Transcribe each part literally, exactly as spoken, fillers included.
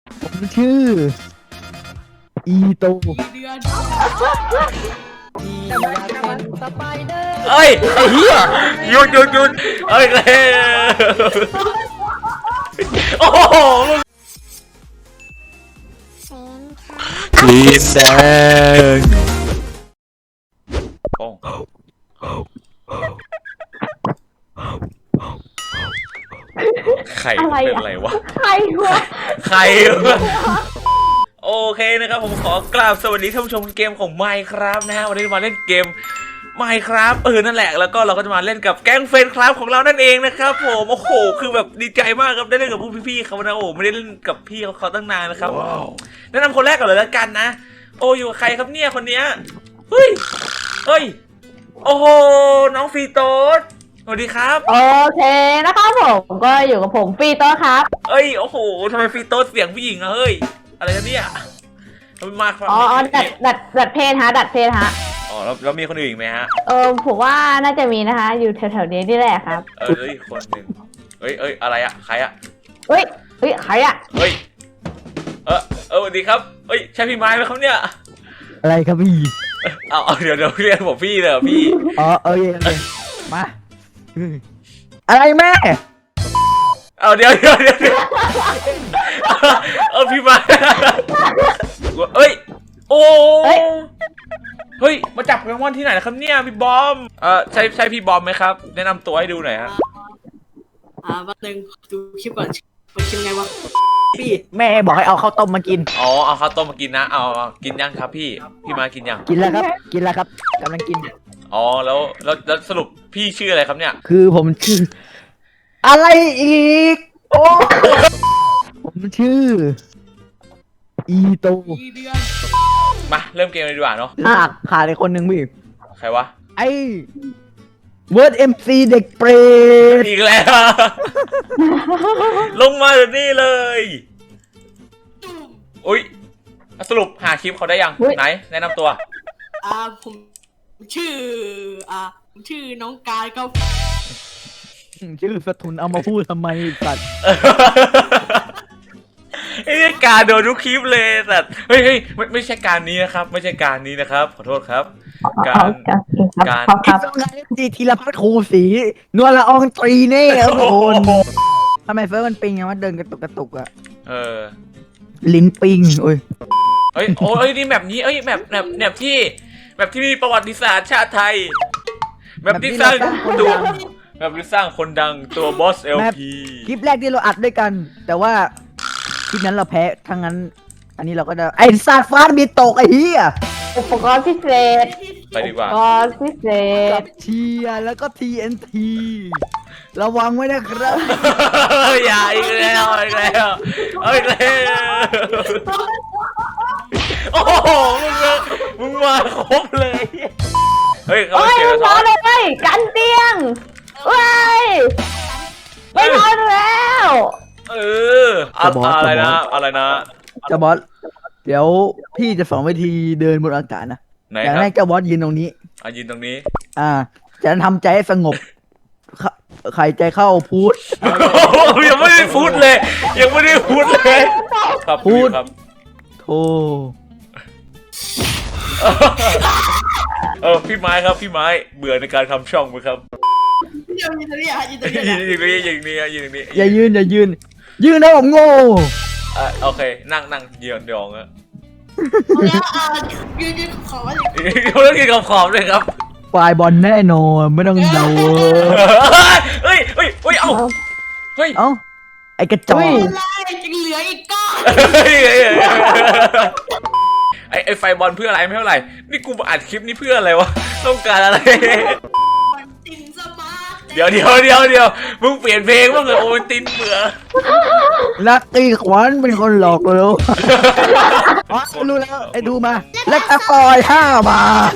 ผมชื่ออีโตเดือนเอ้ยไอ้เหี้ยหยุดหยุดหยุดเอ้ยเลยโอ้โหพีแซงโอ้ใครเป็นอะไรวะใครวะใครวะโอเคนะครับผมขอกราบสวัสดีท่านผู้ชมเกมของ Minecraft นะฮะวันนี้มาเล่นเกม Minecraft เออนั่นแหละแล้วก็เราก็จะมาเล่นกับแก๊งเฟรนด์ครับของเรานั่นเองนะครับผมโอ้โหคือแบบดีใจมากครับได้เล่นกับพวกพี่ๆเขานะโอ้ไม่ได้เล่นกับพี่เขาเขาตั้งนานนะครับ wow. แนะนำคนแรกก่อนเลยแล้วกันนะโอ้อยู่กับใครครับเนี่ยคนเนี้ยเฮ้ยเฮ้ยโอ้โหน้องฟีโต้สวัสดีครับโอเคนะครับผมก็อยู่กับผมฟีโต้ครับเอ้ยโอ้โหทำไมฟีโต้เสียงผู้หญิงอะเฮ้ยอะไรกันเนี่ยมาครับอ๋อดัดดัดดัดเพศฮะดัดเพศฮะอ๋อแล้วแล้วมีคนอื่นอีกไหมฮะเออผมว่าน่าจะมีนะคะอยู่แถวๆนี้นี่แหละครับเออคนหนึ่งเอ้ยเอ้ยอะไรอะใครอะเฮ้ยเฮ้ยใครอะเฮ้ยเออเออสวัสดีครับเฮ้ยใช่พี่ไม้ไหมครับเนี่ยอะไรครับพี่เอาเอาเดี๋ยวเดี๋ยวเรียกผมพี่เลยพี่อ๋อเออโอเคมาอะไรแม่เอาเดี๋ยวเดี๋ยวเดี๋ยวเออพี่ไม้เอ้ยโอ้เฮ้ยมาจับรางวัลที่ไหนนะครับเนี่ยพี่บอมเออใช่ใช่พี่บอมไหมครับแนะนำตัวให้ดูหน่อยฮะอ่าวันหนึ่งดูคลิปก่อนมันเป็นไงวะพี่แม่บอกให้เอาข้าวต้มมากินอ๋อเอาข้าวต้มมากินนะเอากินยังครับพี่พี่มากินยังกินแล้วครับกินแล้วครับกำลังกินอ๋อแล้วแล้วแล้วสรุปพี่ชื่ออะไรครับเนี่ยคือผมชื่ออะไรอีกโอ้ผมชื่ออีโตมาเริ่มเกมเลยดีกว่าเนาะขาดขาดอีกคนหนึ่งพี่ใครวะไอ้เวิร์ดเอ็มซีเด็กเปรตอีกแล้วลงมาแบบนี้เลยอุ้ยสรุปหาคลิปเขาได้ยังไหนแนะนำตัวอ่าผมชื่ออ่าผมชื่อน้องกายครับชื่อสทุนเอามาพูดทำไมสัตว์ไอ้การโดนทุกคลิปเลยแต่เฮ้ยเฮ้ยไม่ไม่ใช่การนี้นะครับไม่ใช่การนี้นะครับขอโทษครับการการดีธีรพัฒน์ครูศรีนวลละอองตรีเน่ครับคนทำไมเฟิร์สมันปิงไงว่าเดินกระตุกกระตุกอะเออลิ้นปิงโอ้ยเฮ้ยโอ้ยนี่แบบนี้เอ้ยแบบแบบแบบที่แบบที่มีประวัติศาสตร์ชาติไทยแบบที่สร้างตัวแบบที่สร้างคนดังตัวบอสเอลพีคลิปแรกที่เราอัดด้วยกันแต่ว่าคลิปนั้นเราแพ้ทั้งนั้นอันนี้เราก็จะไอ้ซาฟ้ามีตกไอ้เหี้ยอุปกรณ์พิเศษไปดีกว่าอุปกรณ์พิเศษเชียร์แล้วก็ ที เอ็น ที ระวังไว้นะครับอย่าอีกแล้วอีกแล้วอีกแล้วโอ้โหมึงมาครบเลยเฮ้ยเขาเก็บนอนเลยกันเตียงเฮ้ยไม่นอนแล้วเอออะไรนะอะไรนะเจ้าบอสเดี๋ยวพี่จะสอนวิธีเดินบนอากาศนะอย่างแรกเจ้าบอสยืนตรงนี้อ่ะยืนตรงนี้อ่าจะทำใจให้สงบใครใจเข้าพูดยังไม่ได้พูดเลยยังไม่ได้พูดเลยครับพูดครับโธ่เออพี่ไม้ครับพี่ไม้เบื่อในการทำช่องไหมครับยืนตรงนี้ยืนตรงนี้ยืนตรงนี้ยืนตรงนี้ยืนตรงนี้อย่ายืนอย่ายืนยืนนะผมโง่อ่ะโอเคนั่งนั่งยืนยองอะแล้วอ่ะยืนยืนขอบเขาต้องยืนขอบขอบเลยครับฝ่ายบอลแน่นอนไม่ต้องเดาเฮ้ยเฮ้ยเฮ้ยเอ้าเฮ้ยเอ้าไอ้กระจอกจะเหลืออีกก้อนไอ้ไอ้ไฟบอลเพื่ออะไรไม่เท่าไหร่นี่กูอัดคลิปนี้เพื่ออะไรวะต้องการอะไรเดี๋ยวเดี๋ยวเดี๋ยวเดี๋ยวมึงเปลี่ยนเพลงบ้างเลยโอ้ยตินเบื่อลักตีขวานเป็นคนหลอกเลยอ๋อรู้แล้วไอ้ดูมาเล็กตะกอยห้าบาท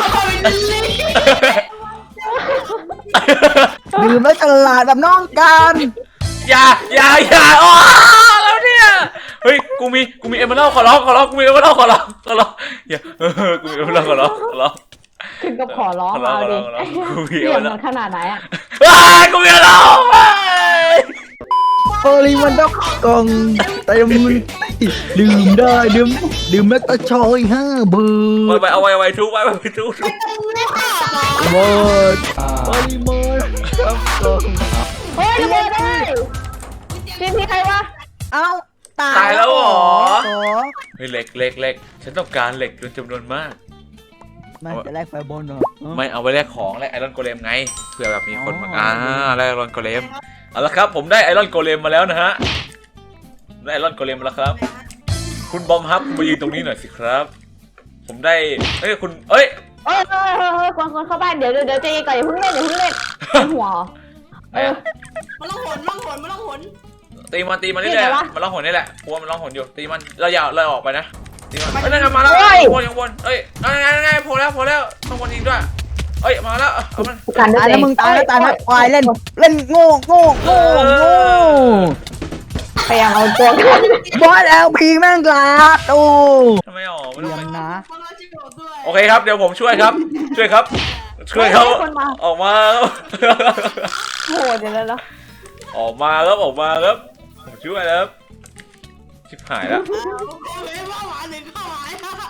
ดื่มแล้วฉลาดแบบน้องกันอย่าอย่าอย่าอ๋อแล้วเนี่ยเฮ้ยกูมีกูมีเอเมอรัลขอร้องขอร้องกูมีเอเมอรัลขอร้องขอร้องอย่าเออกูมีเอเมอรัลขอร้องขอร้องถึงกับขอร้องเอาดิเสียงมันขนาดไหนอ่ะกูมีแล้วโอลิมันต้องกองเต็มดื่มได้ดื่มดื่มแมกตาชอยห้าเบอไว้ร์ไว้เอาไว้ไว้ทุกไว้ไว้ทุกทุกเบอร์ปริมาณครับผมเฮ้ยระเบิดได้พี่พี่ใครวะเอ้าตายตายแล้วเหรอเหรอเฮ้ยเหล็กเหล็กเหล็กฉันต้องการเหล็กเป็นจำนวนมากมันจะแลกไฟบอลเหรอไม่เอาไว้แลกของแลกไอรอนโกเลมไงเผื่อแบบมีคนมาอ๋ออ่อ่าแลกไอรอนโกเลมเอาละครับผมได้ไอรอนโกเลมมาแล้วนะฮะได้ไอรอนโกเลมมาแล้วครับ คุณบอมฮับคุณมายืนตรงนี้หน่อยสิครับ ผมได้เอ้ยคุณเอ้ยเอ้ยเฮ้ยเฮ้ยเฮ้ยคนคนเข้าบ้านเดี๋ยวเดี๋ยวเดี๋ยวใจเย็นก่อนอย่าเพิ่งเล่นอย่าเพิ่งเล่นเป็นหัวเออมันต้องหนมันต้องหนมันต้องหนตีมันตีมันนี่เรื่อยไงวะๆมันร้องหนนี่แหละกลัวมันร้องหนอยู่ตีมันเราอย่าเราออกไปนะตีมันเอ้ยนั่นไงมาแล้วโอ้ยวนยังวนเอ้ยนั่นไงนั่นไงโผล่แล้วโผล่แล้วต้องวนยิงด้วยเอ้ยมาแล้วเอามันกันด้วตายยแล้วมึงตายแล้วตายแล้วควายเล่นเล่นโง่โง่โง่โง่พยายามเอาตัวกันบอสแอลพีแม่งกลาดโอ้ทำไมออกไม่เรีต้องยไปมนะมันต้องชิบหด้วยโอเคครับเดี๋ยวผมช่วยครับ ช่วยครับ ช่วยเขาคนมาออกมาโหเดี๋ยวแล้วออกมาครับออกมาครับผมช่วยแล้วครับชิบหายแล้วเฮ้ยว่าหวานหนึ่งข้าวหวาน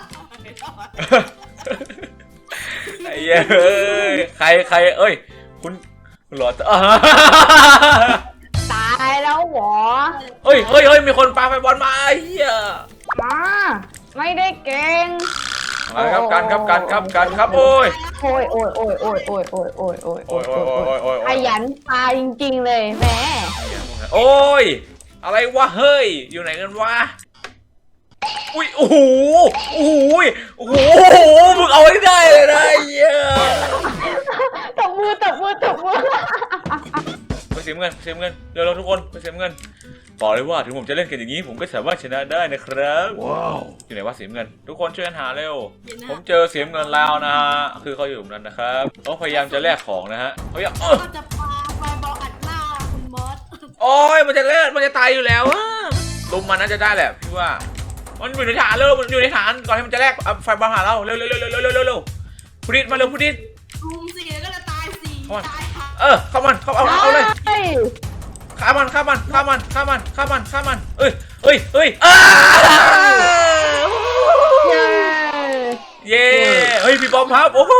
ไอ้เหี้ยเอ้ยใครใครเอ้ยคุณคุณหลอดอ่าตายแล้วหรอเฮ้ยเฮ้ยเฮ้ยมีคนปาไฟบอลมาไอ้เหี้ยมาไม่ได้เก่งมาครับกันครับกันครับกันครับโอ้ยโอ้ยโอ้ยโอ้ยโอ้ยโอ้ยโอ้ยโอ้ยโอ้ยโอ้ยโอ้ยโอ้ยโอ้ยโอ้ยขยันตายจริงๆเลยแหมโอ้ยอะไรวะเฮ้ยอยู่ไหนกันวะอุ้ยโอ้โหโอ้โหโอ้โหมึงเอาให้ได้เลยนะไอ้เหี้ยตบมือตบมือตบมือไปเสียเงินเสียเงินเร็วๆทุกคนไปเสียเงินบอกเลยว่าถึงผมจะเล่นกันอย่างนี้ผมก็สามารถชนะได้นะครับว้าวอยู่ไหนวะเสียเงินทุกคนช่วยกันหาเร็วผมเจอเสียเงินแล้วนะคือเขาอยู่ตรงนั้นนะครับเขาพยายามจะแลกของนะฮะเขาอยากเออก็จะปาไฟบอลอัดหน้าคุณมอสโอ้ยมันจะเลิศมันจะตายอยู่แล้วอะลุมมันน่าจะได้แหละพี่ว่ามันอยู่ในฐานเร็วมันอยู่ในฐานก่อนที่มันจะแลกเอาไฟบอลหาเราเร็วเร็วเร็วเร็วเร็วเร็วเร็วเร็วพุดิดมาเร็วพุดิดรุมสี่ก็จะตายสี่ตายค่ะเออเข้ามันเข้าเอาเอาเลยเฮ้ยฆ่ามันฆ่ามันฆ่ามันฆ่ามันฆ่ามันฆ่ามันเอ้ยเอ้ยเอ้ยอ้าเย้เย้เฮ้ยพี่บอมครับโอ้โห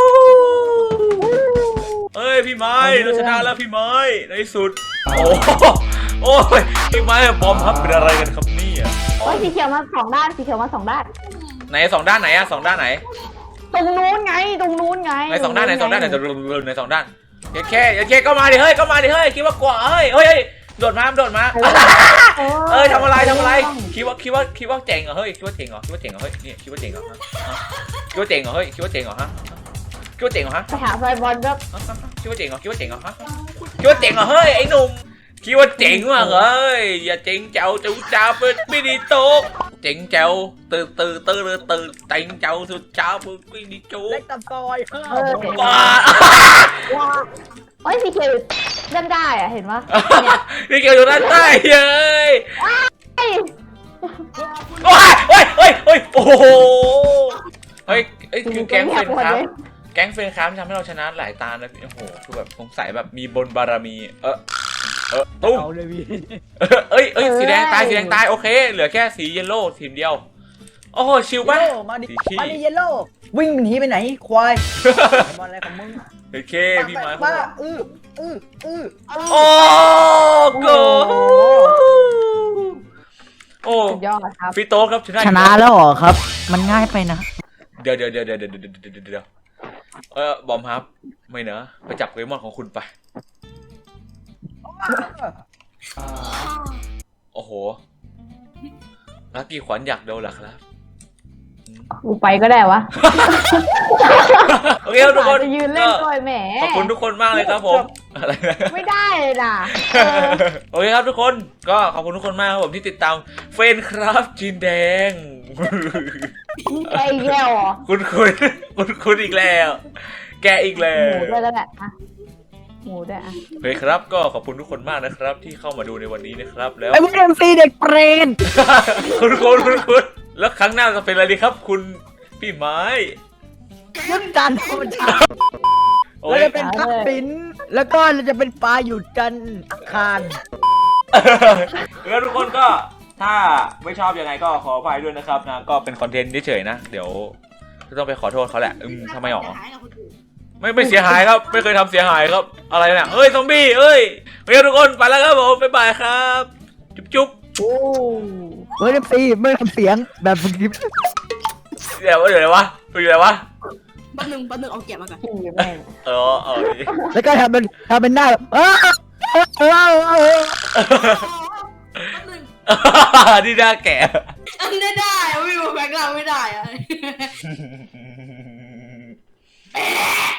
เฮ้ยพี่ไม้เราชนะแล้วพี่ไม้ในที่สุดโอ้โหโอ้ยพี่ไม้กับบอมครับเป็นอะไรกันครับเนี่ยโอ้ยสีเขียวมาสองด้านสีเขียวมาสองด้านไหนสองด้านไหนอะสองด้านไหนตรงนู้นไงตรงนู้นไงไหนสองด้านไหนสองด้านไหนจะรุนในสองด้านอย่าแค่อย่าแค่ก็มาดิเฮ้ยก็มาดิเฮ้ยคิดว่ากลัวเฮ้ยเฮ้ยโดดมาโดดมาเอ้ยทำอะไรทำอะไรคิดว่าคิดว่าคิดว่าเจ๋งเหรอเฮ้ยคิดว่าเจ๋งเหรอคิดว่าเจ๋งเหรอเฮ้ยนี่คิดว่าเจ๋งเหรอฮะคิดว่าเจ๋งเหรอเฮ้ยคิดว่าเจ๋งเหรอฮะคิดว่าเจ๋งเหรอฮะไปหาไฟบอลก็คิดว่าเจ๋งเหรอคิดว่าเจ๋งเหรอฮะคิดว่าเจ๋งเหรอเฮ้ยไอ้หนุ่มคิดว่าเจ๋งมากเฮ้ยอย่าเจ๋งเจ้าจูจ้าเป็นไม่ดีโต๊ะเจ๋งเจ้าตื่นตื่นตื่นตื่นเจ๋งเจ้าสุดจ้าเป็นไม่ดีโจ๊เล็กกตะกอยห้าเออบ้าว้าโอ้ยสีเขียวเล่นได้อะเห็นปะนี่เกี่ยวอยู่ด้านใต้เฮ้ยเฮ้ยโอ้ยโอ้ยโอ้ยโอ้ยโอ้โหเฮ้ยเอ้ยคือแก๊งเฟรนครับแก๊งเฟรนครับทำให้เราชนะหลายตานะโอ้โหคือแบบสงสัยแบบมีบนบารมีเออเออตุ้มเอาเลยพี่เออเอ้ยเอ้ยสีแดงตายสีแดงตายโอเคเหลือแค่สีเยลโล่ทีมเดียวโอ้โหชิลป่ะเยลโล่มาดิสีขี้มาดิเยลโล่วิ่งหนีไปไหนควายบอลอะไรของมึงโอเคพี่ไม้ป้าอื้ออื้ออื้อโอ้โกโอ้สุดยอดครับฟิโต้ครับชนะชนะแล้วเหรอครับ มันง่ายไปนะเดี๋ยวเดี๋ยวเดี๋ยวเดี๋ยวเดี๋ยวเดี๋ยวเดี๋ยวเดี๋ยวเออบอมครับไม่เนอะไปจับโปเกมอนของคุณไปโอ้โหลักกี้ขวัญอยากโดนหรอครับกูไปก็ได้วะโอเคครับทุกคนจะยืนเล่นด้วยแหมขอบคุณทุกคนมากเลยครับผมอะไรนะไม่ได้เลยนะโอเคครับทุกคนก็ขอบคุณทุกคนมากครับผมที่ติดตามเฟนครับจีนแดงแกอีกแล้วเหรอคุณคุณคุณคุณอีกแล้ว แกอีกแล้หวมูด้วยแล้วแหละอะหมูด้วยอะโอเคครับก็ขอบคุณทุกคนมากนะครับที่เข้ามาดูในวันนี้นะครับแล้วไอ้พวกเอ็มซีเด็กเปรนคุณคุณคุณคุณแล้วครั้งหน้าจะเป็นอะไรดีครับ คุณพี่ไม้ยุดจันทร์มันชาโอ้เรายจะเป็นพักปินแล้วก็เราจะเป็นปลาอยู่จันทร์อังคารแล้วทุกคนก็ถ้าไม่ชอบยังไงก็ขออภัยด้วยนะครับนะก็เป็นคอนเทนต์เฉยๆนะเดี๋ยวต้องไปขอโทษเขาแหละอืมทำไมหรอจะหายกับคนอื่นไม่ไม่เสียหายครับไม่เคยทำเสียหายครับอะไรเนี่ยเฮ้ยซอมบี้เอ้ยโอเคทุกคนไปแล้วครับผมบ๊ายบายครับจุ๊บจุ๊บโอ้เฮ้ยซีไม่ทำเสียงแบบคลิปเดี๋ยวเดี๋ยวอะไรวะเป็นอะไรวะแป๊บนึงแป๊บนึงเอาแกะมาก่อนพี่แม่งเออเออแล้วก็ทำเป็นทำเป็นหน้าแบบอ้าวอ้าวอ้าวแป๊บนึงนี่น่าแก่อันนี้ได้อะไม่บอกแบงค์เราไม่ได้อะ